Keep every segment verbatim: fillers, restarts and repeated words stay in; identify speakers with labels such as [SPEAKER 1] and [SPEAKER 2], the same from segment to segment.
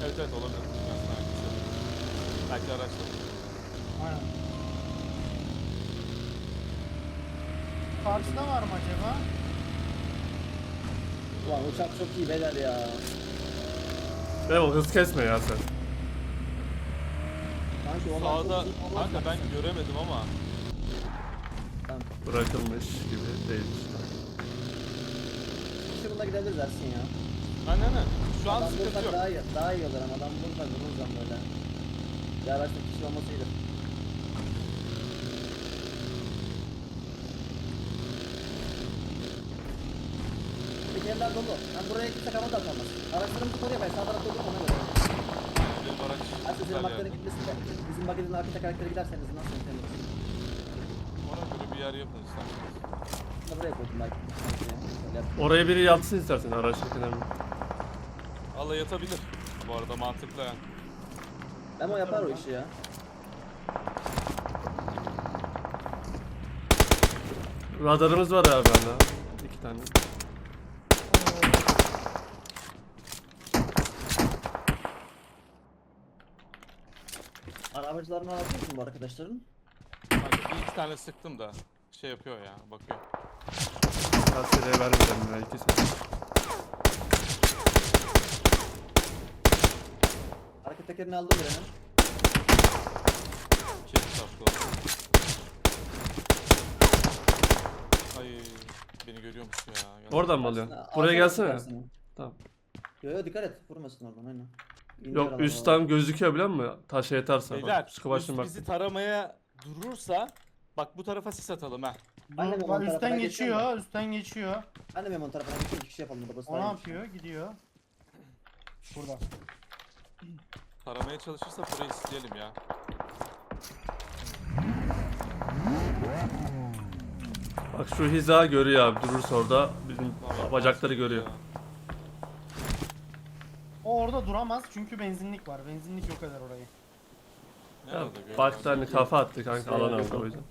[SPEAKER 1] Evet evet olabilir. Belki araçla.
[SPEAKER 2] Aynen. Karşıda var mı acaba?
[SPEAKER 3] Ulan uçak çok iyi beyler ya.
[SPEAKER 4] Memo hız kesme ya sen.
[SPEAKER 3] Sanki olan
[SPEAKER 1] Sağda
[SPEAKER 3] çok iyi olmaz
[SPEAKER 1] kanka
[SPEAKER 3] mı?
[SPEAKER 1] ben göremedim ama.
[SPEAKER 3] Tamam.
[SPEAKER 4] Bırakılmış gibi değil.
[SPEAKER 3] Şurada gidebiliriz Ersin ya.
[SPEAKER 1] Aynen aynen. Şu an
[SPEAKER 3] Adam
[SPEAKER 1] sıkıntı
[SPEAKER 3] bulsak
[SPEAKER 1] yok.
[SPEAKER 3] daha iyi, daha iyi olur ama adam bulsak vururuz ama böyle. Bir araçta kişi olması iyidir. Tekerler dolu. Ben buraya kimse kama da atamaz. Araçlarımızı koruyor ben sağ tarafta olup ona göre.
[SPEAKER 1] Benim araç
[SPEAKER 3] Ersin senin
[SPEAKER 1] güzel
[SPEAKER 3] bakların
[SPEAKER 1] yerde.
[SPEAKER 3] gitmesin de. Bizim bagajın arka tekerlekleri giderseniz nasıl yöntemiriz?
[SPEAKER 1] Ona göre bir yer yapın isterseniz.
[SPEAKER 3] Bunu da buraya koydum belki. Şöyle yap.
[SPEAKER 4] Oraya biri yatsın istersen araçtakine mi?
[SPEAKER 1] Allah yatabilir. Bu arada mantıklı yani.
[SPEAKER 3] Memo yapar o işi ya.
[SPEAKER 4] Radarımız var abi bende. İki tane.
[SPEAKER 3] Arabacılarını alabilir misin bu arkadaşların?
[SPEAKER 1] Kanka bir iki tane sıktım da şey yapıyor ya bakıyor.
[SPEAKER 4] Kaskede vermeyeceğim ya ikisi.
[SPEAKER 3] Arka tekerini aldım birinin.
[SPEAKER 1] İki çarptı. Ay beni görüyormuş ya. Gel.
[SPEAKER 4] Oradan mı alıyorsun?
[SPEAKER 3] Aslında
[SPEAKER 4] Buraya
[SPEAKER 3] alsana
[SPEAKER 4] gelsene.
[SPEAKER 3] süpersini.
[SPEAKER 4] Tamam.
[SPEAKER 3] Yo yo dikkat et vurmasın oradan aynen. İndir
[SPEAKER 4] Yok
[SPEAKER 3] adamı
[SPEAKER 4] üstten
[SPEAKER 3] oradan.
[SPEAKER 4] gözüküyor biliyor musun? Taşa yeterse.
[SPEAKER 1] Beyler
[SPEAKER 4] Bak, sıkı başına
[SPEAKER 1] üst
[SPEAKER 4] bak.
[SPEAKER 1] bizi taramaya durursa bak bu tarafa sis atalım ha.
[SPEAKER 3] Ben de
[SPEAKER 2] Dur,
[SPEAKER 3] Memo'nun
[SPEAKER 2] bak
[SPEAKER 3] tarafına
[SPEAKER 2] üstten
[SPEAKER 3] geçeceğim
[SPEAKER 2] geçiyor, üstten geçiyor.
[SPEAKER 3] Ben de Memo'nun tarafına geçeyim iki kişi yapalım burada.
[SPEAKER 2] O ne yapıyor? Gidiyor. Burada.
[SPEAKER 1] Taramaya çalışırsa burayı isteyelim ya.
[SPEAKER 4] Bak şu hiza görüyor abi durursa orada bizim
[SPEAKER 1] Vallahi
[SPEAKER 4] bacakları
[SPEAKER 1] mantıklı
[SPEAKER 4] görüyor.
[SPEAKER 1] ya.
[SPEAKER 2] O orada duramaz çünkü benzinlik var. Benzinlik yok eder orayı.
[SPEAKER 1] Nerede
[SPEAKER 4] Ya,
[SPEAKER 1] görüyor?
[SPEAKER 4] baktı hani kafa attı kanka alan aldı o yüzden.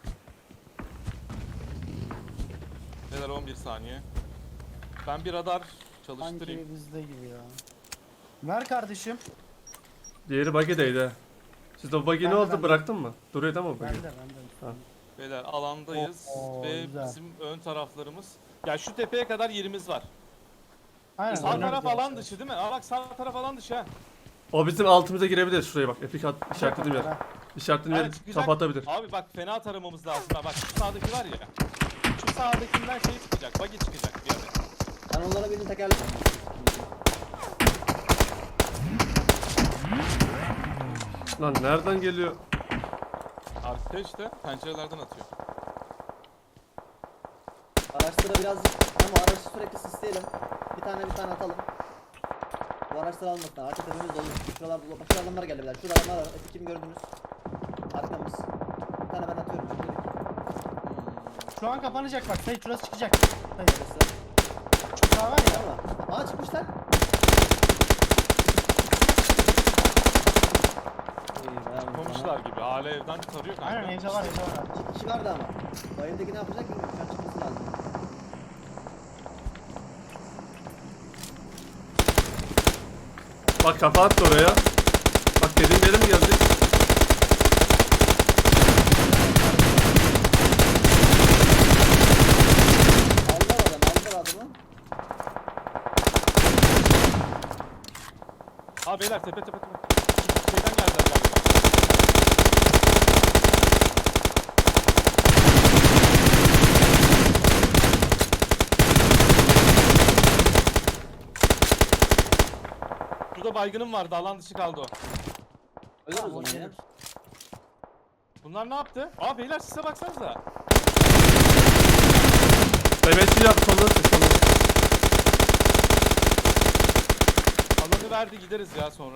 [SPEAKER 1] Neler on bir saniye. Ben bir radar çalıştırayım.
[SPEAKER 2] Sanki bizde gibi ya. Ver kardeşim.
[SPEAKER 4] Diğeri buggy'deydi. Sizde o buggy
[SPEAKER 2] Ben
[SPEAKER 4] ne
[SPEAKER 2] de,
[SPEAKER 4] oldu
[SPEAKER 2] ben de.
[SPEAKER 4] bıraktın mı? Duruyor değil mi o buggy?
[SPEAKER 2] Ben de ben de.
[SPEAKER 4] Ha.
[SPEAKER 1] Beyler alandayız
[SPEAKER 2] Oo,
[SPEAKER 1] ve
[SPEAKER 2] güzel.
[SPEAKER 1] bizim ön taraflarımız. Ya şu tepeye kadar yerimiz var.
[SPEAKER 2] Aynen.
[SPEAKER 1] Sağ
[SPEAKER 2] oynar
[SPEAKER 1] taraf
[SPEAKER 2] güzel
[SPEAKER 1] alan
[SPEAKER 2] şey.
[SPEAKER 1] dışı değil mi? Aa bak sağ taraf alan dışı ha.
[SPEAKER 4] O bizim altımıza girebilir şuraya bak. Epik at işaretlediğim yer.
[SPEAKER 2] Ha.
[SPEAKER 4] İşaretlediğim yer
[SPEAKER 1] Evet, çıkacak.
[SPEAKER 4] kapatabilir.
[SPEAKER 1] Abi bak fena taramamız lazım ha. Bak şu sağdaki var ya. Şu sağdakinden şey çıkacak. Buggy çıkacak bir yere.
[SPEAKER 3] Ben onlara birinin tekerlek
[SPEAKER 4] Lan nereden geliyor?
[SPEAKER 1] Arka işte pencerelerden atıyor.
[SPEAKER 3] Araçlara biraz ama araçı sürekli sisleyelim. Bir tane bir tane atalım. Bu araçları almasınlar. Arka tepemiz dolu. Şuralar dolu. Bak şuralar adamlar geldi beyler. Şurada adamlar var. Eski kimi gördünüz? Arkamız. Bir tane ben atıyorum. Şurada bir
[SPEAKER 2] Şu an kapanacak bak. Sayı şurası çıkacak. Sayı.
[SPEAKER 3] tanesi.
[SPEAKER 2] Şu sağ var ya.
[SPEAKER 3] Ama. Aa çıkmışlar. İyi, bayağı vurdu
[SPEAKER 1] Komşular
[SPEAKER 3] ama.
[SPEAKER 1] gibi. Hala evden tarıyor kanka.
[SPEAKER 2] Aynen evde var evde var.
[SPEAKER 3] İki kişi vardı ama. Bu evdeki ne yapacak bilmiyorum. Şu an çıkması lazım.
[SPEAKER 4] Bak kafa attı oraya. Bak dediğim yere mi geldik?
[SPEAKER 3] Aldılar adam. Aldılar adamı.
[SPEAKER 1] Aa beyler tepe tepe tepe. Şeyden geldiler galiba. Şurada baygınım vardı. Alan dışı kaldı o.
[SPEAKER 3] Ölür o zaman ya.
[SPEAKER 1] Bunlar ne yaptı? Aa beyler size baksanıza.
[SPEAKER 4] Mehmetçi yap sonu sonu.
[SPEAKER 1] Alanı verdi gideriz ya sonra.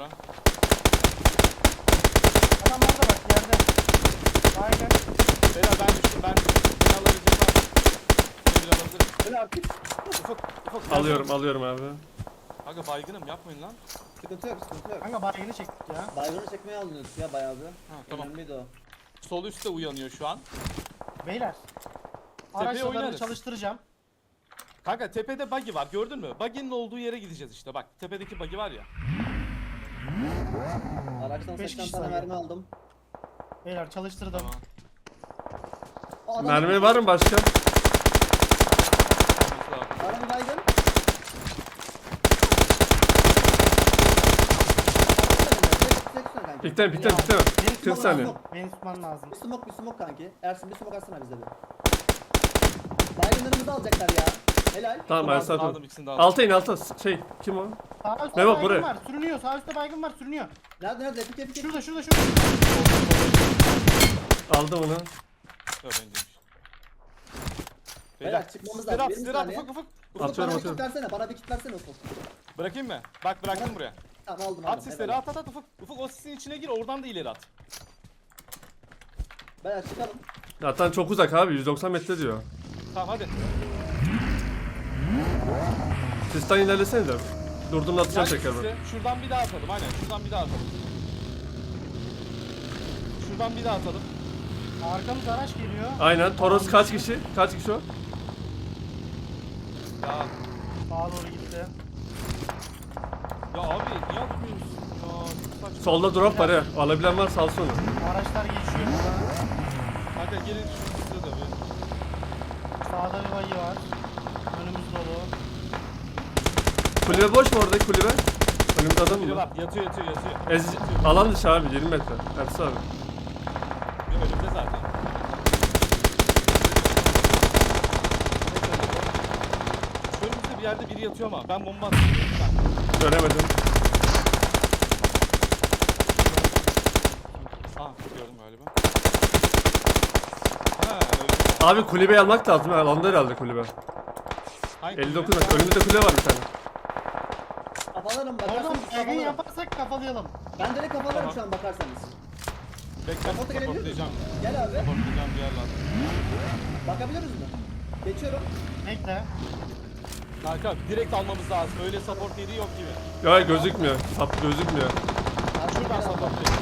[SPEAKER 2] Adamlar da bak yerde. Aynen.
[SPEAKER 1] Beyler ben düştüm ben düştüm. Beni alabilecek var. Beni bir alabilirim.
[SPEAKER 3] Öyle artık.
[SPEAKER 1] Ufak ufak.
[SPEAKER 4] Alıyorum alıyorum abi.
[SPEAKER 1] Aga baygınım yapmayın lan.
[SPEAKER 3] Sıkıntı yok sıkıntı yok.
[SPEAKER 2] Kanka baygını çektik ya.
[SPEAKER 3] Baygını çekmeye alınıyoruz ya bayağı bir.
[SPEAKER 1] Ha, tamam.
[SPEAKER 3] Önemliydi o.
[SPEAKER 1] Sol üstte uyanıyor şu an.
[SPEAKER 2] Beyler.
[SPEAKER 1] Tepeye
[SPEAKER 2] Araçlarını
[SPEAKER 1] oynarız.
[SPEAKER 2] çalıştıracağım.
[SPEAKER 1] Kanka tepede buggy var gördün mü? Buggy'nin olduğu yere gideceğiz işte bak. Tepedeki buggy var ya.
[SPEAKER 3] Araçtan
[SPEAKER 2] Beş
[SPEAKER 3] seksen
[SPEAKER 2] kişi
[SPEAKER 3] tane
[SPEAKER 2] sayıyor.
[SPEAKER 3] mermi aldım.
[SPEAKER 2] Beyler çalıştırdım.
[SPEAKER 1] Tamam.
[SPEAKER 3] O adam
[SPEAKER 4] Mermi var mı başka?
[SPEAKER 1] Olması lazım.
[SPEAKER 3] Araba baygın.
[SPEAKER 4] Pikten pikten pikten.
[SPEAKER 2] Beni
[SPEAKER 4] kırk
[SPEAKER 2] tutman
[SPEAKER 4] saniye.
[SPEAKER 2] lazım. Beni tutman lazım.
[SPEAKER 3] Bir smoke bir smoke kanki. Ersin bir smoke atsana bize bir. Baygınlarımızı alacaklar ya. Helal.
[SPEAKER 4] Tamam
[SPEAKER 1] Aldım,
[SPEAKER 4] Ersin
[SPEAKER 1] aldım,
[SPEAKER 4] aldım.
[SPEAKER 1] ikisini de aldım.
[SPEAKER 4] Alta in alta. Şey kim o?
[SPEAKER 2] Sağ üstte
[SPEAKER 4] Memo,
[SPEAKER 2] baygın
[SPEAKER 4] buraya.
[SPEAKER 2] var. Sürünüyor. Sağ üstte baygın var. Sürünüyor.
[SPEAKER 3] Nerede nerede? Epik epik.
[SPEAKER 2] Şurada şurada şurada.
[SPEAKER 4] Aldım onu.
[SPEAKER 1] Yok benceymiş.
[SPEAKER 3] Beyler çıkmamız
[SPEAKER 1] Sizleri
[SPEAKER 3] lazım.
[SPEAKER 1] at,
[SPEAKER 3] Bir
[SPEAKER 1] sizleri at,
[SPEAKER 3] saniye.
[SPEAKER 1] ufuk ufuk.
[SPEAKER 3] Ufuk
[SPEAKER 4] Atıyorum,
[SPEAKER 3] bana bir
[SPEAKER 4] atıyorum.
[SPEAKER 3] kit versene. Bana bir kit versene Ufuk.
[SPEAKER 1] Bırakayım mı? Bak bıraktım buraya.
[SPEAKER 3] Tamam aldım aldım.
[SPEAKER 1] At sisleri
[SPEAKER 3] helal.
[SPEAKER 1] at at at ufuk. Ufuk o sisin içine gir oradan da ileri at.
[SPEAKER 3] Beyler çıkalım.
[SPEAKER 4] Zaten çok uzak abi yüz doksan metre diyor.
[SPEAKER 1] Tamam hadi.
[SPEAKER 4] Sistan ilerlesene de. Durduğumda atacağım
[SPEAKER 1] Gel
[SPEAKER 4] tekrar
[SPEAKER 1] sisle.
[SPEAKER 4] ben.
[SPEAKER 1] Şuradan bir daha atalım aynen şuradan bir daha atalım. Şuradan bir daha atalım.
[SPEAKER 2] Arkamız araç geliyor.
[SPEAKER 4] Aynen. Toros kaç kişi? Kaç kişi o?
[SPEAKER 1] Ya
[SPEAKER 2] Sağa doğru gitti.
[SPEAKER 1] ya abi niye atmıyorsun? Ya çok saçma.
[SPEAKER 4] Solda drop var ya. Alabilen varsa alsın onu.
[SPEAKER 2] Araçlar geçiyor burada.
[SPEAKER 1] Kanka gelin şu sisle de bir.
[SPEAKER 2] Sağda bir bayı var. Önümüz dolu.
[SPEAKER 4] Kulübe boş mu orada kulübe? Önümüzde adam
[SPEAKER 1] Biri
[SPEAKER 4] mı?
[SPEAKER 1] var yatıyor yatıyor yatıyor.
[SPEAKER 4] Ez, alan dışı abi yirmi metre. Hepsi abi.
[SPEAKER 1] Yok önümde zaten. Önümüzde bir yerde biri yatıyor ama ben bomba atıyorum. Ben.
[SPEAKER 4] Göremedim.
[SPEAKER 1] Aa gördüm galiba. Ha öyle.
[SPEAKER 4] Abi kulübeyi almak lazım. Ha, alanda herhalde kulübe.
[SPEAKER 1] Hangi
[SPEAKER 4] elli dokuz
[SPEAKER 1] kulübe?
[SPEAKER 4] metre. Önümüzde kulübe var bir tane.
[SPEAKER 3] Kafalarım
[SPEAKER 2] Oradan
[SPEAKER 3] bakarsanız
[SPEAKER 2] baygın
[SPEAKER 3] kafalarım.
[SPEAKER 2] yaparsak kafalayalım.
[SPEAKER 3] Ben direkt kafalarım
[SPEAKER 1] Tamam.
[SPEAKER 3] şu an bakarsanız.
[SPEAKER 1] Bekle
[SPEAKER 3] Kaporta gelebilir mi?
[SPEAKER 1] supportlayacağım.
[SPEAKER 3] Gel abi.
[SPEAKER 1] Supportlayacağım bir yer lazım.
[SPEAKER 3] Bakabiliyoruz mu? Geçiyorum.
[SPEAKER 2] Bekle.
[SPEAKER 1] Kanka direkt almamız lazım. Öyle support yeri yok gibi.
[SPEAKER 4] Ya gözükmüyor. Sap gözükmüyor.
[SPEAKER 3] Abi
[SPEAKER 1] Şuradan
[SPEAKER 3] gel abi.
[SPEAKER 1] supportlayalım.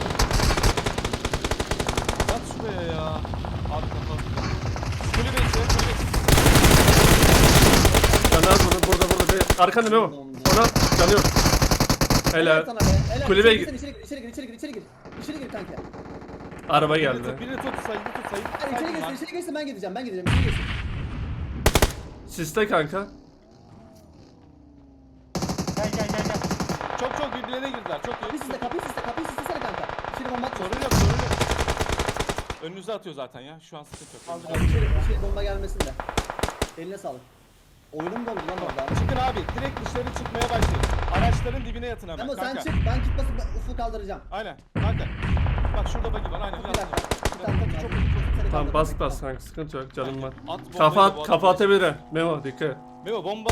[SPEAKER 1] Yat şuraya ya. Abi kapat. Kulübe içi, kulübe içi.
[SPEAKER 4] Canı az bunu burada burada. Bir... Arkanda Memo. Ona canı yok.
[SPEAKER 3] Helal
[SPEAKER 4] Helal.
[SPEAKER 3] sana be. Helal.
[SPEAKER 4] Kulübe
[SPEAKER 3] İçeri
[SPEAKER 4] gir.
[SPEAKER 3] gir, içeri gir, içeri gir, içeri gir, içeri gir. İçeri gir kanka.
[SPEAKER 4] Araba
[SPEAKER 1] Birini
[SPEAKER 4] geldi.
[SPEAKER 1] tut, birini tut, sayıyı tut, sayıyı tut.
[SPEAKER 3] Hadi içeri
[SPEAKER 1] sayıyı
[SPEAKER 3] girsin,
[SPEAKER 1] tut.
[SPEAKER 3] içeri girsin ben gideceğim, ben gideceğim, içeri girsin.
[SPEAKER 4] Siste kanka.
[SPEAKER 2] Gel gel gel gel.
[SPEAKER 1] Çok çok birbirlerine girdiler. Çok
[SPEAKER 3] Kapıyı
[SPEAKER 1] iyi.
[SPEAKER 3] sisle, kapıyı sisle, kapıyı sislesene kanka. İçeri bomba atıyor.
[SPEAKER 1] Sorun yok, sorun yok. Önünüze atıyor zaten ya. Şu an sıkıntı yok.
[SPEAKER 3] Abi içeri, içeri bomba gelmesin de. Eline sağlık. Oyunum doldu lan orada.
[SPEAKER 1] Çıkın abi. Direkt dışarı çıkmaya başlayın. Araçların dibine yatın hemen.
[SPEAKER 3] Ama sen
[SPEAKER 1] kanka.
[SPEAKER 3] çık, ben kit basıp ufuk kaldıracağım.
[SPEAKER 1] Aynen. Kanka. Bak şurada bagi var. Aynen.
[SPEAKER 3] Bir
[SPEAKER 1] Yat.
[SPEAKER 3] dakika. Bir
[SPEAKER 1] Yat.
[SPEAKER 3] dakika.
[SPEAKER 1] Çok
[SPEAKER 3] Çok
[SPEAKER 1] iyi.
[SPEAKER 3] Seni
[SPEAKER 4] Tamam
[SPEAKER 3] kaldırdım.
[SPEAKER 4] bas bas kanka sıkıntı yok canım var.
[SPEAKER 1] At bombayı
[SPEAKER 4] Kafa
[SPEAKER 1] da
[SPEAKER 4] at
[SPEAKER 1] bu
[SPEAKER 4] kafa
[SPEAKER 1] adam-
[SPEAKER 4] atabilir. Memo dikkat et.
[SPEAKER 1] Memo bomba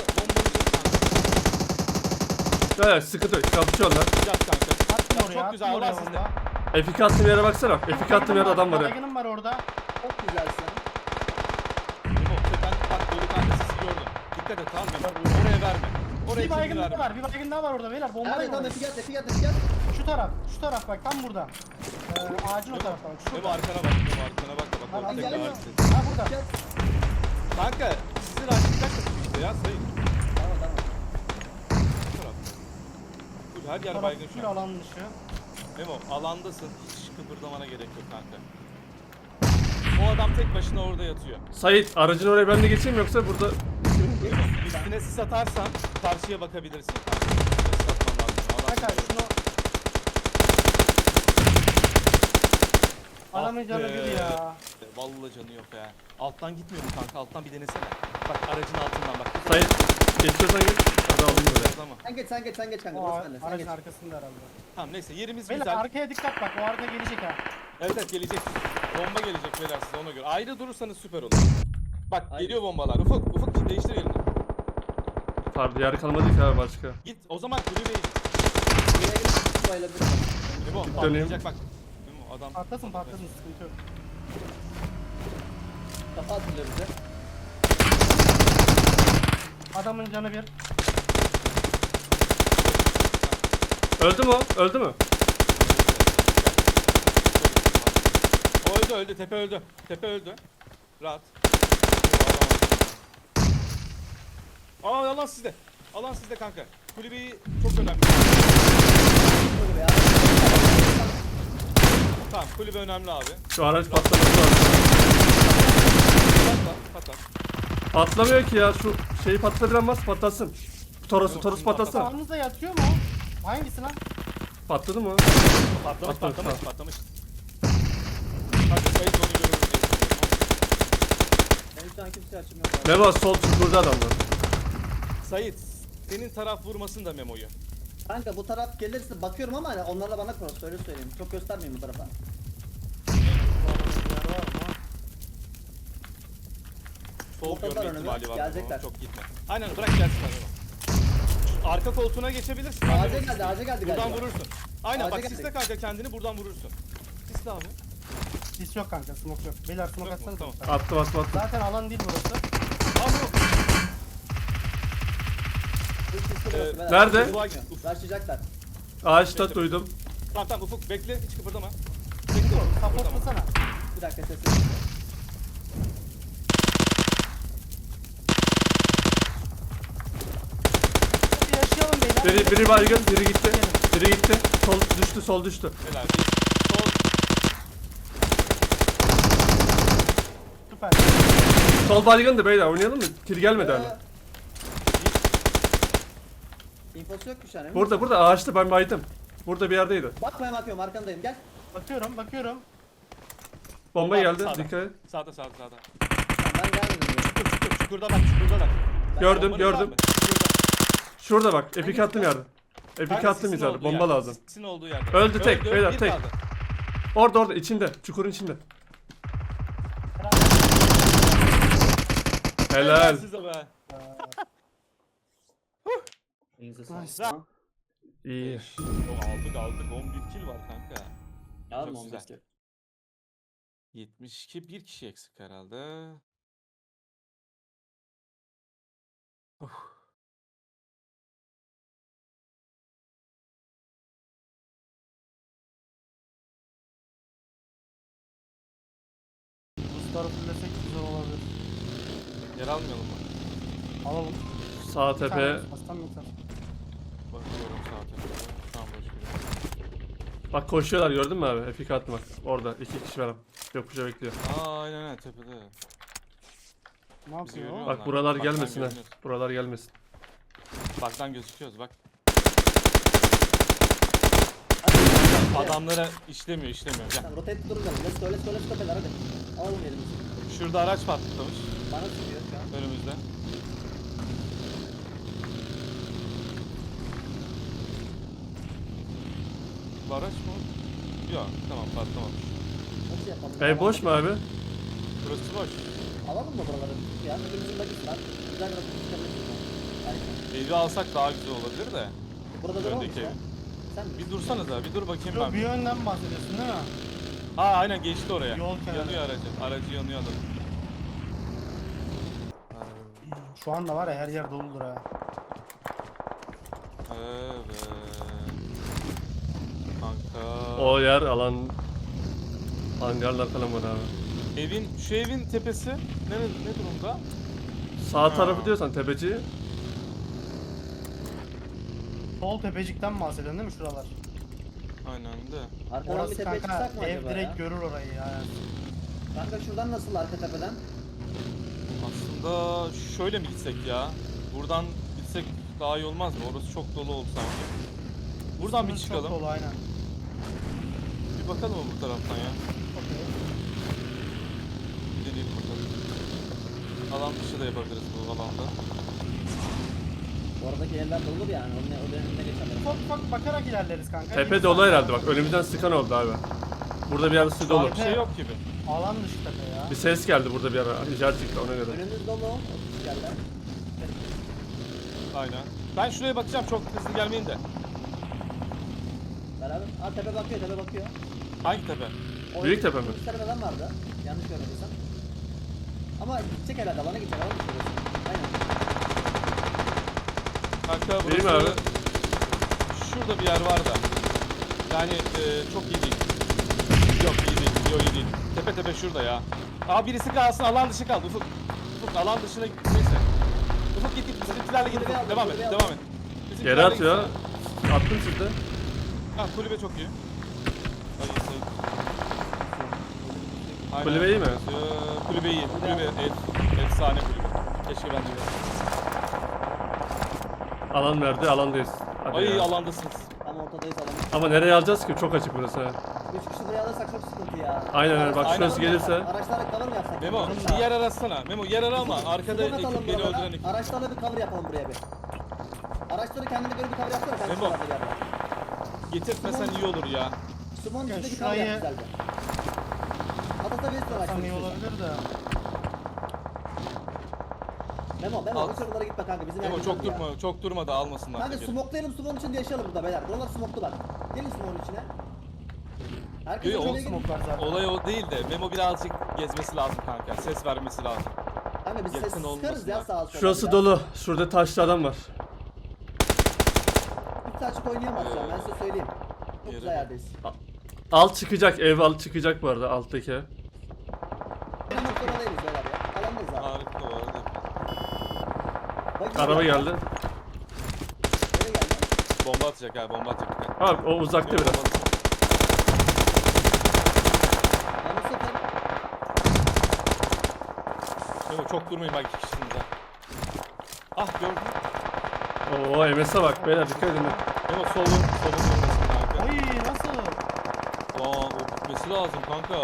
[SPEAKER 1] bomba
[SPEAKER 4] Ya ya sıkıntı yok kapışıyorlar.
[SPEAKER 1] yat kanka.
[SPEAKER 2] Attım
[SPEAKER 1] Ya
[SPEAKER 2] oraya.
[SPEAKER 1] çok
[SPEAKER 2] Attım
[SPEAKER 1] güzel.
[SPEAKER 2] oraya
[SPEAKER 1] Allah sizde.
[SPEAKER 2] bomba.
[SPEAKER 4] F iki attığım yere baksana. F iki attığım yerde adam var ya.
[SPEAKER 2] Baygınım var orada.
[SPEAKER 3] Çok güzelsin.
[SPEAKER 1] Memo tepen bak dolu kanka sesi gördüm. Dikkat et tamam mı? Oraya verme. Oraya
[SPEAKER 2] Bir baygın
[SPEAKER 1] kimi
[SPEAKER 2] daha
[SPEAKER 1] verme.
[SPEAKER 2] var. Bir baygın daha var orada beyler. Bomba
[SPEAKER 3] Nerede
[SPEAKER 2] yok.
[SPEAKER 3] tam efi gel, efi gel, efi gel.
[SPEAKER 2] Şu taraf. Şu taraf bak tam burada. Ee, ağacın o tarafta bak.
[SPEAKER 1] Memo
[SPEAKER 2] Şurada.
[SPEAKER 1] arkana bak. Memo arkana bak da bak.
[SPEAKER 2] Lan
[SPEAKER 1] orada tekrar
[SPEAKER 3] geliyor.
[SPEAKER 1] hareket et.
[SPEAKER 2] Ha burada.
[SPEAKER 3] Gel.
[SPEAKER 1] Kanka sizin açacak işte ya sayın.
[SPEAKER 3] Tamam tamam.
[SPEAKER 1] Bu taraf. Full her yer
[SPEAKER 2] Taraf
[SPEAKER 1] baygın
[SPEAKER 2] full
[SPEAKER 1] şu an.
[SPEAKER 2] alan dışı.
[SPEAKER 1] Memo alandasın. Hiç kıpırdamana gerek yok kanka. O adam tek başına orada yatıyor.
[SPEAKER 4] Sait aracın oraya ben de geçeyim yoksa burada
[SPEAKER 1] Üstüne sis atarsan karşıya bakabilirsin kanka. Sis atman lazım. Adam
[SPEAKER 2] Kanka şunu... Adamın canı
[SPEAKER 1] Ah be.
[SPEAKER 2] bir ya.
[SPEAKER 1] Vallahi canı yok ya. Alttan gitmiyor mu kanka? Alttan bir denesene. Bak aracın altından bak.
[SPEAKER 4] Sait geçiyorsan geç. Hadi alayım böyle.
[SPEAKER 1] Tamam.
[SPEAKER 3] Sen geç, sen geç, sen geç kanka.
[SPEAKER 2] O
[SPEAKER 3] Burası bende. Sen
[SPEAKER 2] aracın
[SPEAKER 3] geç.
[SPEAKER 2] arkasında herhalde.
[SPEAKER 1] Tamam neyse yerimiz
[SPEAKER 2] Beyler
[SPEAKER 1] güzel.
[SPEAKER 2] arkaya dikkat bak. O arka gelecek ha.
[SPEAKER 1] Evet evet gelecek. Bomba gelecek beyler size ona göre. Ayrı durursanız süper olur. Bak
[SPEAKER 3] Aynen.
[SPEAKER 1] geliyor bombalar. Ufuk ufuk değiştir yerini.
[SPEAKER 4] Pardon yer kalmadı ki abi başka.
[SPEAKER 1] Git o zaman kulübeye git.
[SPEAKER 3] Buraya gelip bayılabilirim.
[SPEAKER 1] Memo
[SPEAKER 4] Döneyim.
[SPEAKER 1] patlayacak bak. Memo adam.
[SPEAKER 2] Patlasın patlasın sıkıntı yok.
[SPEAKER 3] Kafa atılıyor bize.
[SPEAKER 2] Adamın canı bir.
[SPEAKER 4] Öldü mü o? Öldü mü?
[SPEAKER 1] O öldü öldü tepe öldü. Tepe öldü. Rahat. Aa alan sizde. Alan sizde kanka. Kulübeyi çok önemli.
[SPEAKER 3] Böyle ya.
[SPEAKER 1] Kulübe önemli abi.
[SPEAKER 4] Şu araç patlaması lazım.
[SPEAKER 1] Patla, patla.
[SPEAKER 4] Patlamıyor ki ya, şu şeyi patlatabilen varsa patlatsın. Toros,
[SPEAKER 1] Yok,
[SPEAKER 4] Toros
[SPEAKER 1] şimdi
[SPEAKER 4] patlasın.
[SPEAKER 2] Sağınızda yatıyor mu? Hangisi lan?
[SPEAKER 4] Patladı mı?
[SPEAKER 1] Patlamış,
[SPEAKER 4] Patlamış,
[SPEAKER 1] patlamış,
[SPEAKER 4] tamam.
[SPEAKER 1] patlamış. Hadi sayıt onu görürüz diye düşünüyorum.
[SPEAKER 3] Benim şu an kimseye açım yok. abi.
[SPEAKER 4] Memo sol çukurda adamlar.
[SPEAKER 1] Sayit, senin taraf vurmasın da Memo'yu.
[SPEAKER 3] Kanka bu taraf gelirse bakıyorum ama hani onlarla bana cross, öyle söyleyeyim. Çok göstermeyeyim bu tarafa.
[SPEAKER 1] Sol
[SPEAKER 3] Motorlar
[SPEAKER 1] görme
[SPEAKER 3] önüme,
[SPEAKER 1] ihtimali var.
[SPEAKER 3] gelecekler.
[SPEAKER 1] Memo, çok gitme. Aynen bırak gelsin Memo. Arka koltuğuna geçebilirsin.
[SPEAKER 3] Ağaca
[SPEAKER 1] Memo.
[SPEAKER 3] geldi, ağaca geldi
[SPEAKER 1] Buradan
[SPEAKER 3] galiba.
[SPEAKER 1] vurursun. Aynen
[SPEAKER 3] Ağaca
[SPEAKER 1] bak
[SPEAKER 3] geldi.
[SPEAKER 1] sisle kanka kendini buradan vurursun. Sisle abi.
[SPEAKER 2] Sis yok kanka, smoke yok. Beyler smoke
[SPEAKER 1] Yok mu?
[SPEAKER 2] atsanız.
[SPEAKER 1] Tamam.
[SPEAKER 4] Attım attım attım.
[SPEAKER 2] Zaten alan değil burası.
[SPEAKER 1] Abi yok.
[SPEAKER 3] Bu sisli
[SPEAKER 1] Ee,
[SPEAKER 3] burası, beyler.
[SPEAKER 4] nerede?
[SPEAKER 3] Ufuk bakmıyor. Başlayacaklar.
[SPEAKER 4] Ağaçta duydum.
[SPEAKER 1] Tamam tamam Ufuk bekle hiç kıpırdama.
[SPEAKER 2] Supportlasana.
[SPEAKER 3] Bir dakika sesini.
[SPEAKER 2] Bir yaşayalım beyler.
[SPEAKER 4] Biri, biri baygın, biri gitti. Biri gitti. Sol düştü, sol düştü.
[SPEAKER 1] Helal. Bir sol.
[SPEAKER 2] Süper.
[SPEAKER 4] Sol baygındı beyler, oynayalım mı? Kill gelmedi
[SPEAKER 3] Ee,
[SPEAKER 4] hala.
[SPEAKER 3] İnfosu yok şu an. emin
[SPEAKER 4] Burada
[SPEAKER 3] misin?
[SPEAKER 4] burada ağaçta ben baydım. Burada bir yerdeydi.
[SPEAKER 3] Bakmaya bakıyorum, arkandayım, gel.
[SPEAKER 2] Bakıyorum, bakıyorum.
[SPEAKER 4] Bomba
[SPEAKER 1] Bomba
[SPEAKER 4] geldi,
[SPEAKER 1] sağda.
[SPEAKER 4] dikkat et.
[SPEAKER 1] Sağda sağda sağda.
[SPEAKER 3] Tamam, ben gelmedim diyor.
[SPEAKER 1] Çukur çukur çukurda bak çukurda bak.
[SPEAKER 4] Gördüm,
[SPEAKER 1] Bombanı
[SPEAKER 4] gördüm.
[SPEAKER 1] sağ mı? Çukurda.
[SPEAKER 4] Şurada bak, epik attım yerde. Epik
[SPEAKER 1] Kanka,
[SPEAKER 4] attım
[SPEAKER 1] sisin
[SPEAKER 4] izledim,
[SPEAKER 1] olduğu
[SPEAKER 4] bomba
[SPEAKER 1] yerde,
[SPEAKER 4] lazım.
[SPEAKER 1] Sisin olduğu yerde.
[SPEAKER 4] Öldü tek, beyler,
[SPEAKER 1] bir
[SPEAKER 4] tek.
[SPEAKER 1] kaldı.
[SPEAKER 4] Orada orada, içinde, çukurun içinde. Helal.
[SPEAKER 1] Size be.
[SPEAKER 3] Elinize sağlık.
[SPEAKER 2] Nice.
[SPEAKER 3] Tamam.
[SPEAKER 4] İyi.
[SPEAKER 1] O aldık aldık on bir kill var kanka.
[SPEAKER 3] Yarın
[SPEAKER 1] Çok
[SPEAKER 3] on
[SPEAKER 1] güzel.
[SPEAKER 3] beş kere.
[SPEAKER 1] yetmiş iki bir kişi eksik herhalde.
[SPEAKER 2] Boostları fullesek güzel olabilir.
[SPEAKER 1] Yer almayalım mı?
[SPEAKER 2] Alalım.
[SPEAKER 4] Sağ
[SPEAKER 2] Bir
[SPEAKER 4] tepe.
[SPEAKER 2] tane bastam yeter.
[SPEAKER 1] Bakıyorum saate. Şu an boş bir.
[SPEAKER 4] Bak koşuyorlar, gördün mü abi? Epik attım bak. Orada iki kişi var. Yokuşa bekliyor.
[SPEAKER 1] Aa aynen aynen tepede.
[SPEAKER 2] Ne yapıyor?
[SPEAKER 1] görüyor.
[SPEAKER 2] o?
[SPEAKER 4] Bak
[SPEAKER 1] Onlar.
[SPEAKER 4] buralar
[SPEAKER 1] Baktan
[SPEAKER 4] gelmesin ha.
[SPEAKER 1] görünüyor.
[SPEAKER 4] Buralar gelmesin.
[SPEAKER 1] Baktan gözüküyoruz bak.
[SPEAKER 3] Hadi.
[SPEAKER 1] Adamlara işlemiyor işlemiyor. Gel.
[SPEAKER 3] Tamam, rotate durun. Let's go, let's go, let's go beyler, hadi. Alalım elimizi.
[SPEAKER 1] Şurada araç patlamış
[SPEAKER 3] Bana sıkıyor şu an.
[SPEAKER 1] önümüzde. Bu araç mı? Yok tamam patlamamış.
[SPEAKER 3] Nasıl yapalım?
[SPEAKER 4] Ev boş mu abi?
[SPEAKER 1] Burası boş.
[SPEAKER 3] Alalım mı buraları? Ya hepimizin bakısı var. Güzel bir rotate çıkabiliriz. Aynen.
[SPEAKER 1] Evi alsak daha güzel olabilir de.
[SPEAKER 3] Burada duralım
[SPEAKER 1] Öndeki
[SPEAKER 3] ya.
[SPEAKER 1] ev.
[SPEAKER 3] Sen
[SPEAKER 1] Bir dursanız da bir dur bakayım
[SPEAKER 2] Yo,
[SPEAKER 1] ben.
[SPEAKER 2] bir yönden bahsediyorsun değil mi?
[SPEAKER 1] Ha aynen geçti oraya.
[SPEAKER 2] Yol kenarı.
[SPEAKER 1] Yanıyor aracı. Aracı yanıyor adam.
[SPEAKER 2] Şu anda var ya her yer doludur ha.
[SPEAKER 1] Evet. Kanka.
[SPEAKER 4] O yer alan hangarlar falan var abi.
[SPEAKER 1] Evin şu evin tepesi ne ne durumda?
[SPEAKER 4] Sağ
[SPEAKER 1] Ha.
[SPEAKER 4] tarafı diyorsan tepeci.
[SPEAKER 2] Sol tepecikten bahsediyorsun değil mi şuralar?
[SPEAKER 1] Aynen de.
[SPEAKER 3] arkadan bir
[SPEAKER 2] Orası
[SPEAKER 3] tepeye
[SPEAKER 2] kanka
[SPEAKER 3] çıksak mı
[SPEAKER 2] ev
[SPEAKER 3] acaba
[SPEAKER 2] direkt
[SPEAKER 3] ya?
[SPEAKER 2] görür orayı ya.
[SPEAKER 3] Kanka şuradan nasıl arka tepeden?
[SPEAKER 1] Aslında şöyle mi gitsek ya? Buradan gitsek daha iyi olmaz mı? Orası çok dolu oldu sanki. Buradan bir
[SPEAKER 2] Sınır
[SPEAKER 1] çıkalım.
[SPEAKER 2] Çok dolu aynen.
[SPEAKER 1] Bir bakalım mı bu taraftan ya?
[SPEAKER 2] Okey.
[SPEAKER 1] Bir deneyelim bakalım. Alan dışı da yapabiliriz bu alanda.
[SPEAKER 3] Oradaki yerler dolu yani. Onun o dönemine geçemedim.
[SPEAKER 2] Ufak ufak bakarak ilerleriz kanka.
[SPEAKER 4] Tepe
[SPEAKER 2] Bir
[SPEAKER 4] dolu
[SPEAKER 2] saniye.
[SPEAKER 4] herhalde bak. Önümüzden sıkan oldu abi. Burada bir yerisi dolu.
[SPEAKER 1] Bir şey yok gibi.
[SPEAKER 2] Alan dışı tepe ya.
[SPEAKER 4] Bir ses geldi burada bir ara. İcart çıktı ona göre.
[SPEAKER 3] Önümüz dolu. otuz yerler.
[SPEAKER 1] Aynen. Ben şuraya bakacağım çok hızlı gelmeyin de.
[SPEAKER 3] Beraber. Aa tepe bakıyor, tepe bakıyor.
[SPEAKER 1] Hangi tepe?
[SPEAKER 3] O
[SPEAKER 4] Büyük
[SPEAKER 3] evin
[SPEAKER 4] tepe mi?
[SPEAKER 3] üst tarafından vardı. Yanlış görmediysem. Ama gidecek herhalde, alana gidecek, alana gidecek. Aynen.
[SPEAKER 1] Kanka
[SPEAKER 4] Değil mi
[SPEAKER 1] burası...
[SPEAKER 4] abi?
[SPEAKER 1] Şurada bir yer var da. Yani e, çok iyi değil. Yok iyi değil. Yok iyi değil. Tepe tepe şurada ya. Aa birisi kalsın alan dışı kaldı Ufuk. Ufuk alan dışına neyse. Ufuk git git bizimkilerle git.
[SPEAKER 3] Kulübe aldım,
[SPEAKER 1] Devam et
[SPEAKER 3] kulübe
[SPEAKER 1] devam
[SPEAKER 3] aldım.
[SPEAKER 1] et.
[SPEAKER 4] Geri
[SPEAKER 1] Bizimkilerle
[SPEAKER 4] atıyor.
[SPEAKER 1] gitsene.
[SPEAKER 4] Attım sizde.
[SPEAKER 1] Ha kulübe çok iyi. Hayır, hayır. Aynen.
[SPEAKER 4] Kulübe iyi mi?
[SPEAKER 1] Ee, kulübe iyi. Kulübe ef- efsane kulübe. Keşke ben de görsem.
[SPEAKER 4] Alan verdi, alandayız. Hadi
[SPEAKER 1] Ay
[SPEAKER 4] ya.
[SPEAKER 1] alandasınız.
[SPEAKER 3] Tam ortadayız alalım.
[SPEAKER 4] Ama nereye alacağız ki? Çok açık burası. ha.
[SPEAKER 3] Üç kişi buraya alırsak çok sıkıntı ya.
[SPEAKER 4] Aynen öyle. Bak
[SPEAKER 1] Aynen.
[SPEAKER 4] şurası gelirse.
[SPEAKER 3] Araçlara cover mı yapsak?
[SPEAKER 1] Memo
[SPEAKER 3] Bizim
[SPEAKER 1] bir
[SPEAKER 3] de.
[SPEAKER 1] yer arasana. Memo yer ara ama arkada
[SPEAKER 3] Smoke atalım
[SPEAKER 1] ekip beni
[SPEAKER 3] buralara.
[SPEAKER 1] öldüren ekip.
[SPEAKER 3] Araçlarla bir cover yapalım buraya bir. Araçları kendine göre bir cover yapsana. Ben
[SPEAKER 1] Memo.
[SPEAKER 3] şuralarda bir yerde.
[SPEAKER 1] Getirtmesen iyi olur ya.
[SPEAKER 3] Smoke'un
[SPEAKER 2] Ya
[SPEAKER 3] içinde bir cover
[SPEAKER 2] şurayı-
[SPEAKER 3] yap güzelce. Atlatabilirsin
[SPEAKER 2] Tam
[SPEAKER 3] araçları.
[SPEAKER 2] iyi
[SPEAKER 3] istiyorsan.
[SPEAKER 2] olabilir de.
[SPEAKER 3] Memo, Memo
[SPEAKER 1] Al.
[SPEAKER 3] bu şuralara gitme kanka. Bizim
[SPEAKER 1] Memo
[SPEAKER 3] yer
[SPEAKER 1] çok
[SPEAKER 3] güzel ya.
[SPEAKER 1] durma, çok durma da almasınlar.
[SPEAKER 3] Kanka
[SPEAKER 1] tekeri.
[SPEAKER 3] smoklayalım, smoke'un içinde yaşayalım burada beyler. Buralar smoklu bak. Gelin smoke'un içine. Herkes
[SPEAKER 1] Yok,
[SPEAKER 3] şöyle
[SPEAKER 1] o
[SPEAKER 3] gelin.
[SPEAKER 2] Smoke var zaten.
[SPEAKER 1] Olay o değil de Memo birazcık gezmesi lazım kanka. Ses vermesi lazım.
[SPEAKER 3] Kanka biz
[SPEAKER 1] yakın
[SPEAKER 3] ses
[SPEAKER 1] olmasın
[SPEAKER 3] sıkarız ya
[SPEAKER 1] bak.
[SPEAKER 3] sağa sola.
[SPEAKER 4] Şurası
[SPEAKER 3] ya.
[SPEAKER 4] dolu. Şurada taşlı adam var.
[SPEAKER 3] Hiç açık oynayamaz şu an, ben size söyleyeyim. Çok
[SPEAKER 1] Yere
[SPEAKER 3] güzel
[SPEAKER 1] bak.
[SPEAKER 3] yerdeyiz.
[SPEAKER 4] Alt çıkacak. Ev alt çıkacak bu arada alttaki. ev.
[SPEAKER 3] Benim noktada değiliz beyler ya. Alandayız abi.
[SPEAKER 1] Harika bu arada.
[SPEAKER 3] Bak,
[SPEAKER 4] Araba
[SPEAKER 3] geliyor.
[SPEAKER 4] geldi.
[SPEAKER 3] Nereye geldi?
[SPEAKER 1] Bomba atacak ha, bomba atacak. bir tane.
[SPEAKER 4] Abi o uzakta
[SPEAKER 1] Memo,
[SPEAKER 4] biraz.
[SPEAKER 1] bomba atacak.
[SPEAKER 3] Ben bu sefer
[SPEAKER 1] Memo çok durmayın bak iki kişisiniz ha. Ah gördün.
[SPEAKER 4] Oo M S'e bak beyler dikkat edin.
[SPEAKER 1] Memo solun, solun durmasın kanka.
[SPEAKER 2] Ay nasıl?
[SPEAKER 1] Aa o bitmesi lazım kanka.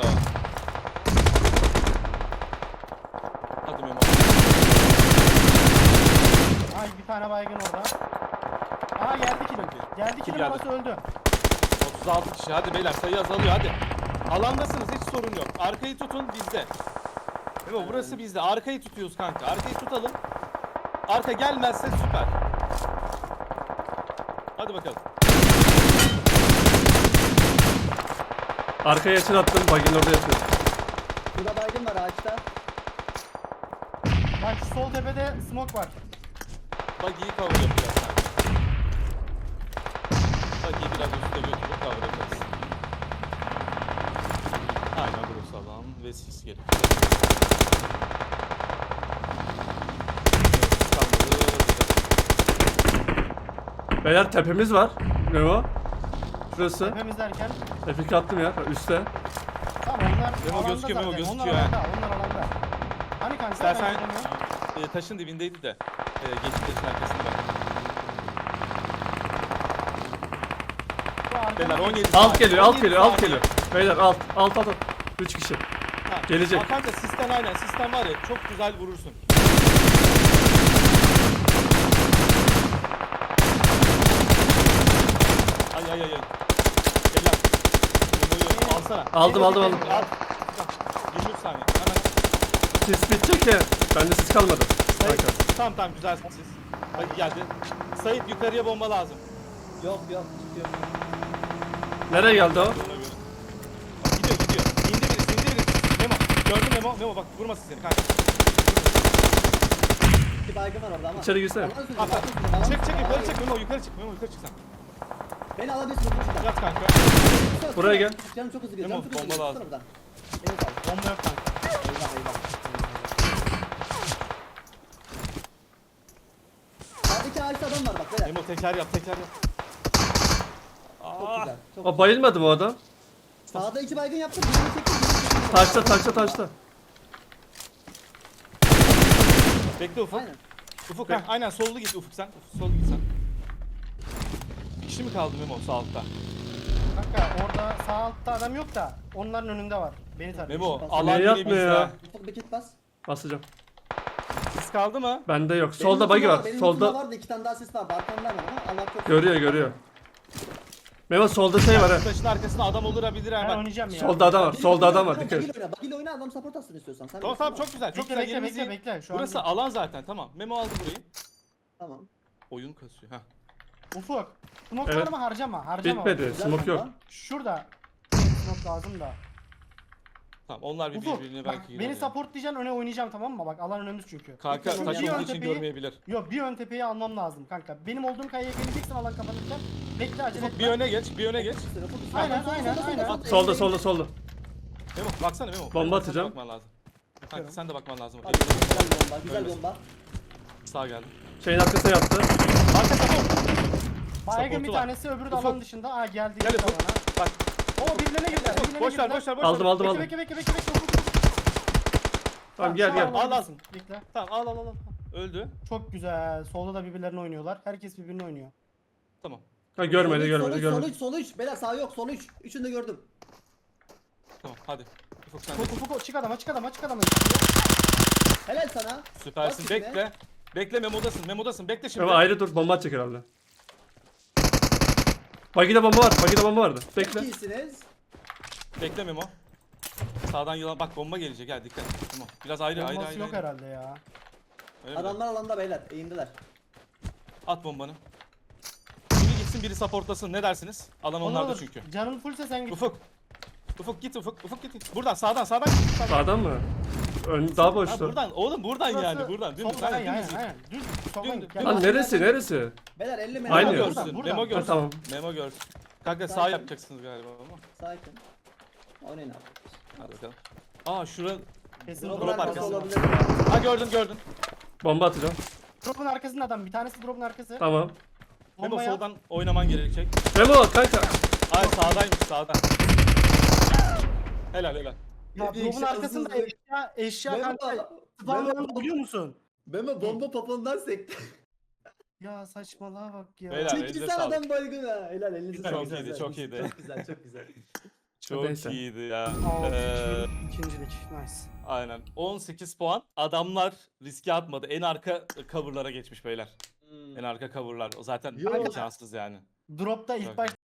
[SPEAKER 1] Hadi Memo.
[SPEAKER 2] Ay bir tane baygın orada. Aa geldi kilim. Geldi
[SPEAKER 1] Kim
[SPEAKER 2] kilim
[SPEAKER 1] geldi?
[SPEAKER 2] orası öldü.
[SPEAKER 1] otuz altı kişi hadi beyler sayı azalıyor hadi. Alandasınız hiç sorun yok. Arkayı tutun bizde. Memo burası bizde. Arkayı tutuyoruz kanka. Arkayı tutalım. Arka gelmezse süper. Hadi bakalım.
[SPEAKER 4] Arkaya açın attım. Bagin orada yatıyor.
[SPEAKER 3] burada baygın var ağaçta.
[SPEAKER 2] Bak şu sol tepede smoke var.
[SPEAKER 1] Bak iyi cover yapacağız kanka. Bak iyi biraz üstte götürüp cover yaparız. Aynen burası alan ve sis gelir.
[SPEAKER 4] Beyler tepemiz var. Memo. Şurası.
[SPEAKER 2] Tepemiz derken.
[SPEAKER 4] F iki attım ya. Üste.
[SPEAKER 2] Tamam onlar
[SPEAKER 1] Memo
[SPEAKER 2] alanda
[SPEAKER 1] gözüküyor, Memo
[SPEAKER 2] zaten.
[SPEAKER 1] gözüküyor
[SPEAKER 2] Onlar
[SPEAKER 1] ha.
[SPEAKER 2] alanda, onlar alanda. Hani kanka
[SPEAKER 1] İstersen
[SPEAKER 2] ben göremiyorum.
[SPEAKER 1] e, taşın dibindeydi de. E, geçit taşın arkasında.
[SPEAKER 2] Bu arkamda-
[SPEAKER 1] Beyler on yedi
[SPEAKER 4] Alt
[SPEAKER 1] saniye,
[SPEAKER 4] geliyor, alt
[SPEAKER 1] on yedi
[SPEAKER 4] geliyor, alt
[SPEAKER 1] saniye.
[SPEAKER 4] geliyor. Beyler alt, alt, alt. alt. Üç kişi.
[SPEAKER 1] Ha,
[SPEAKER 4] Gelecek.
[SPEAKER 1] Aa, kanka sistem aynen sistem var ya çok güzel vurursun. Ay ay ay ay. Gel lan. Memo'yu alsana.
[SPEAKER 4] Aldım, aldım, aldım.
[SPEAKER 1] Al. yirmi üç saniye. Hemen.
[SPEAKER 4] Sis bitecek ya. Bende sis kalmadı.
[SPEAKER 1] Sayit.
[SPEAKER 4] Kanka.
[SPEAKER 1] Tamam tamam güzel siz. Hadi geldi. Sayit yukarıya bomba lazım.
[SPEAKER 3] Yok yok çıkıyor.
[SPEAKER 4] Nereye geldi o?
[SPEAKER 1] Ona göre. Bak gidiyor gidiyor. İndi birisi indi birisi. Memo. Gördün Memo. Memo bak vurmasın seni kanka.
[SPEAKER 3] İki baygın var orada ama.
[SPEAKER 4] İçeri girsene.
[SPEAKER 3] Alan sürücü,
[SPEAKER 1] At,
[SPEAKER 3] alan
[SPEAKER 1] at.
[SPEAKER 3] sürücü, alan
[SPEAKER 1] Çık
[SPEAKER 3] sürücü,
[SPEAKER 1] çık
[SPEAKER 3] alan
[SPEAKER 1] yukarı
[SPEAKER 3] sürücü.
[SPEAKER 1] çık Memo yukarı çık. Memo yukarı çık sen.
[SPEAKER 3] Beni alabilirsin şuradan.
[SPEAKER 1] Yat kanka.
[SPEAKER 4] Buraya gel.
[SPEAKER 3] Canım çok hızlı gidiyor.
[SPEAKER 1] Memo,
[SPEAKER 3] Canım çok hızlı
[SPEAKER 1] bomba
[SPEAKER 3] gidiyor.
[SPEAKER 1] lazım.
[SPEAKER 3] Tutsana buradan. Evet abi.
[SPEAKER 2] Bomba yok kanka.
[SPEAKER 3] Eyvah eyvah. Sağdaki ağaçta adam var bak beyler.
[SPEAKER 1] Memo teker yap teker yap.
[SPEAKER 3] Çok
[SPEAKER 1] Aa,
[SPEAKER 3] güzel. Çok
[SPEAKER 4] O bayılmadı mı o adam?
[SPEAKER 3] Sağda iki baygın yaptım. Birini çektim. Birini çektim.
[SPEAKER 4] Taşta, taşta, taşta.
[SPEAKER 1] bekle Ufuk.
[SPEAKER 3] Aynen.
[SPEAKER 1] Ufuk ha, aynen sollu git Ufuk sen. Ufuk sollu git sen. Bir kişi mi kaldı Memo sağ altta?
[SPEAKER 2] Kanka orada sağ altta adam yok da onların önünde var. Beni tarıyor.
[SPEAKER 1] Memo
[SPEAKER 3] Niye
[SPEAKER 1] alan yine
[SPEAKER 4] yapmıyor
[SPEAKER 1] bizde.
[SPEAKER 4] ya?
[SPEAKER 1] ha.
[SPEAKER 3] Ufuk bir kit bas.
[SPEAKER 4] Basacağım.
[SPEAKER 1] Siz kaldı mı?
[SPEAKER 4] Bende yok.
[SPEAKER 3] Benim
[SPEAKER 4] Solda
[SPEAKER 3] lootumda
[SPEAKER 4] bagi var.
[SPEAKER 3] Benim lootumda
[SPEAKER 4] Solda
[SPEAKER 3] vardı iki tane daha sis vardı. Arkamda hemen ama Allah çok
[SPEAKER 4] görüyor, görüyor. Memo solda şey var ha.
[SPEAKER 1] Şu taşın arkasında adam olur olabilir ha
[SPEAKER 2] Ben
[SPEAKER 1] bak.
[SPEAKER 2] oynayacağım ya.
[SPEAKER 4] Solda adam var.
[SPEAKER 3] Bagil
[SPEAKER 4] Solda
[SPEAKER 3] oyna,
[SPEAKER 4] adam var.
[SPEAKER 3] bagil
[SPEAKER 4] Dikkat et.
[SPEAKER 3] oyna. Bagil oyna adam support atsın istiyorsan. Sen
[SPEAKER 1] Tamam
[SPEAKER 3] bilirsin
[SPEAKER 1] tamam
[SPEAKER 3] ama.
[SPEAKER 1] çok güzel çok
[SPEAKER 2] Bekle
[SPEAKER 1] güzel
[SPEAKER 2] bekle
[SPEAKER 1] yerimiz
[SPEAKER 2] bekle
[SPEAKER 1] iyi.
[SPEAKER 2] bekle. Şu an
[SPEAKER 1] Burası
[SPEAKER 2] değil.
[SPEAKER 1] alan zaten tamam. Memo aldı burayı.
[SPEAKER 3] Tamam.
[SPEAKER 1] Oyun kasıyor. Heh.
[SPEAKER 2] Ufuk. Smoke'larımı
[SPEAKER 4] Evet.
[SPEAKER 2] harcama. Harcama.
[SPEAKER 4] Bitmedi.
[SPEAKER 3] Güzel
[SPEAKER 4] Smoke yok.
[SPEAKER 3] bomba.
[SPEAKER 2] Şurada. Smoke lazım da.
[SPEAKER 1] Tamam onlar bir
[SPEAKER 2] Ufuk.
[SPEAKER 1] birbirine
[SPEAKER 2] Bak,
[SPEAKER 1] belki girer.
[SPEAKER 2] beni
[SPEAKER 1] ya.
[SPEAKER 2] supportlayacaksın öne oynayacağım tamam mı? Bak alan önümüz çünkü.
[SPEAKER 1] Kanka
[SPEAKER 3] Bir
[SPEAKER 1] taş
[SPEAKER 2] ön
[SPEAKER 1] olduğu için
[SPEAKER 2] tepeyi-
[SPEAKER 1] görmeyebilir.
[SPEAKER 2] Yok bir ön tepeyi almam lazım kanka. Benim olduğum kayaya geleceksin alan kapanırken. Bekle acele
[SPEAKER 1] Ufuk
[SPEAKER 2] etme.
[SPEAKER 1] bir öne geç bir öne geç.
[SPEAKER 3] Üstüne, Ufuk üstüne.
[SPEAKER 2] Aynen,
[SPEAKER 3] Solda,
[SPEAKER 2] aynen,
[SPEAKER 3] solda,
[SPEAKER 2] aynen.
[SPEAKER 3] solda,
[SPEAKER 4] Solda, solda, solda.
[SPEAKER 1] Memo baksana Memo.
[SPEAKER 4] Bomba
[SPEAKER 1] Sen de
[SPEAKER 4] atacağım.
[SPEAKER 1] Bakman lazım. Kanka sen de bakman lazım.
[SPEAKER 3] Hadi, güzel bomba. Güzel
[SPEAKER 1] Ölmesin.
[SPEAKER 3] bomba.
[SPEAKER 1] Sağ geldi.
[SPEAKER 4] Şeyin arkasına yattı.
[SPEAKER 1] Arka support.
[SPEAKER 2] Baygın bir
[SPEAKER 1] Support'u var.
[SPEAKER 2] tanesi öbürü de
[SPEAKER 1] Ufuk.
[SPEAKER 2] alan dışında. Aa geldi.
[SPEAKER 1] Gel
[SPEAKER 2] geldi
[SPEAKER 1] Ufuk.
[SPEAKER 2] bana.
[SPEAKER 1] Bak.
[SPEAKER 2] Oo birbirlerine girdiler. birbirlerine
[SPEAKER 1] Boş ver
[SPEAKER 2] girdiler.
[SPEAKER 1] boş ver boş
[SPEAKER 4] Aldım,
[SPEAKER 1] ver.
[SPEAKER 4] aldım,
[SPEAKER 2] Bekle
[SPEAKER 4] aldım.
[SPEAKER 2] bekle bekle bekle bekle. Ufuk, Ufuk,
[SPEAKER 4] Tamam gel
[SPEAKER 2] şu
[SPEAKER 4] gel.
[SPEAKER 2] an
[SPEAKER 1] Al, al.
[SPEAKER 2] alabilirsin. Bekle.
[SPEAKER 1] Tamam al al al. al. Öldü.
[SPEAKER 2] Çok güzel. Solda da birbirlerini oynuyorlar. Herkes birbirini oynuyor.
[SPEAKER 1] Tamam.
[SPEAKER 4] Ha görmedi
[SPEAKER 3] Sol üç,
[SPEAKER 4] görmedi
[SPEAKER 3] sol üç, sol
[SPEAKER 4] görmedi.
[SPEAKER 3] üç, sol üç. Beyler sağ yok, sol üç. Üçünü de gördüm.
[SPEAKER 1] Tamam hadi. Ufuk sen de.
[SPEAKER 2] Ufuk ufuk çık adama çık adama çık adama.
[SPEAKER 3] Helal sana.
[SPEAKER 1] Süpersin.
[SPEAKER 3] Bak şimdi.
[SPEAKER 1] Bekle. Bekle memodasın. Memodasın. Bekle şimdi.
[SPEAKER 4] Ama ayrı dur bomba atacak herhalde. Bagi'de bomba var. Bagi'de bomba vardı.
[SPEAKER 3] Çok
[SPEAKER 4] Bekle.
[SPEAKER 3] iyisiniz.
[SPEAKER 1] Bekle Memo. Sağdan yılan bak bomba gelecek. Gel dikkat. Tamam. Biraz ayrı ayrı
[SPEAKER 2] Bombası
[SPEAKER 1] ayrı.
[SPEAKER 2] yok
[SPEAKER 1] ayrı.
[SPEAKER 2] herhalde ya.
[SPEAKER 1] Öyle mi?
[SPEAKER 3] Adamlar alanda beyler, eğimdeler.
[SPEAKER 1] At bombanı. Biri gitsin biri supportlasın. Ne dersiniz? Alan
[SPEAKER 2] Olur,
[SPEAKER 1] onlarda
[SPEAKER 2] olur.
[SPEAKER 1] çünkü.
[SPEAKER 2] Canın fullse sen git.
[SPEAKER 1] Ufuk. Ufuk git Ufuk. Ufuk git. Buradan sağdan sağdan git. Sağdan.
[SPEAKER 4] Sağdan mı? Ön, daha
[SPEAKER 1] Ha,
[SPEAKER 4] boştu.
[SPEAKER 1] buradan oğlum buradan
[SPEAKER 2] Burası
[SPEAKER 1] yani buradan. Dümdüz.
[SPEAKER 2] soldan,
[SPEAKER 1] Aynen,
[SPEAKER 2] aynen,
[SPEAKER 1] dümdüz.
[SPEAKER 2] aynen. Düz. Soldan
[SPEAKER 1] Dümdüz,
[SPEAKER 2] git. Gel.
[SPEAKER 1] dümdüz.
[SPEAKER 4] Lan neresi neresi?
[SPEAKER 3] Beyler elli metre.
[SPEAKER 4] Aynı.
[SPEAKER 1] Memo
[SPEAKER 4] Buradan,
[SPEAKER 1] görsün.
[SPEAKER 2] buradan.
[SPEAKER 1] Memo
[SPEAKER 2] Ha,
[SPEAKER 1] görsün.
[SPEAKER 4] tamam.
[SPEAKER 1] Memo görsün. Kanka sağ
[SPEAKER 3] Sakin.
[SPEAKER 1] yapacaksınız galiba ama.
[SPEAKER 3] Sakin. Oynayın abi.
[SPEAKER 1] Hadi bakalım. Aa şura.
[SPEAKER 2] Kesin
[SPEAKER 3] Drop'un
[SPEAKER 1] Drop
[SPEAKER 3] arkası
[SPEAKER 1] arkası.
[SPEAKER 3] olabilir ya.
[SPEAKER 1] Ha gördün gördün.
[SPEAKER 4] Bomba atacağım.
[SPEAKER 2] Drop'un arkasında adam. Bir tanesi drop'un arkası.
[SPEAKER 4] Tamam.
[SPEAKER 1] Memo
[SPEAKER 2] Bombaya-
[SPEAKER 1] soldan oynaman gerekecek.
[SPEAKER 4] Memo kanka.
[SPEAKER 1] Ay sağdaymış sağda. Helal helal.
[SPEAKER 2] Ya
[SPEAKER 3] Bir
[SPEAKER 2] drop'un
[SPEAKER 3] eşya
[SPEAKER 2] arkasında
[SPEAKER 3] hızlı-
[SPEAKER 2] eşya eşya
[SPEAKER 3] Memo,
[SPEAKER 2] kanka.
[SPEAKER 3] Memo,
[SPEAKER 2] Spawnlandı biliyor musun?
[SPEAKER 3] Memo bomba popondan sekti.
[SPEAKER 2] Ya saçmalığa bak ya.
[SPEAKER 1] Beyler.
[SPEAKER 3] Çekti
[SPEAKER 1] elinize
[SPEAKER 3] sen
[SPEAKER 1] sağlık.
[SPEAKER 3] adam baygın ha. Helal elinize
[SPEAKER 1] Çok
[SPEAKER 3] sağlık.
[SPEAKER 1] iyiydi,
[SPEAKER 3] Güzel,
[SPEAKER 1] çok
[SPEAKER 3] güzel.
[SPEAKER 1] iyiydi.
[SPEAKER 3] Çok güzel, çok güzel.
[SPEAKER 1] Çok
[SPEAKER 4] Neyse.
[SPEAKER 1] iyiydi ya.
[SPEAKER 2] Aa,
[SPEAKER 1] Ee,
[SPEAKER 2] ikincilik. Nice.
[SPEAKER 1] aynen. on sekiz puan. Adamlar riske atmadı. En arka coverlara geçmiş beyler.
[SPEAKER 3] Hmm.
[SPEAKER 1] En arka coverlar. O zaten
[SPEAKER 3] Yo.
[SPEAKER 1] şanssız yani.
[SPEAKER 2] Drop'ta ilk
[SPEAKER 1] Çok
[SPEAKER 2] başta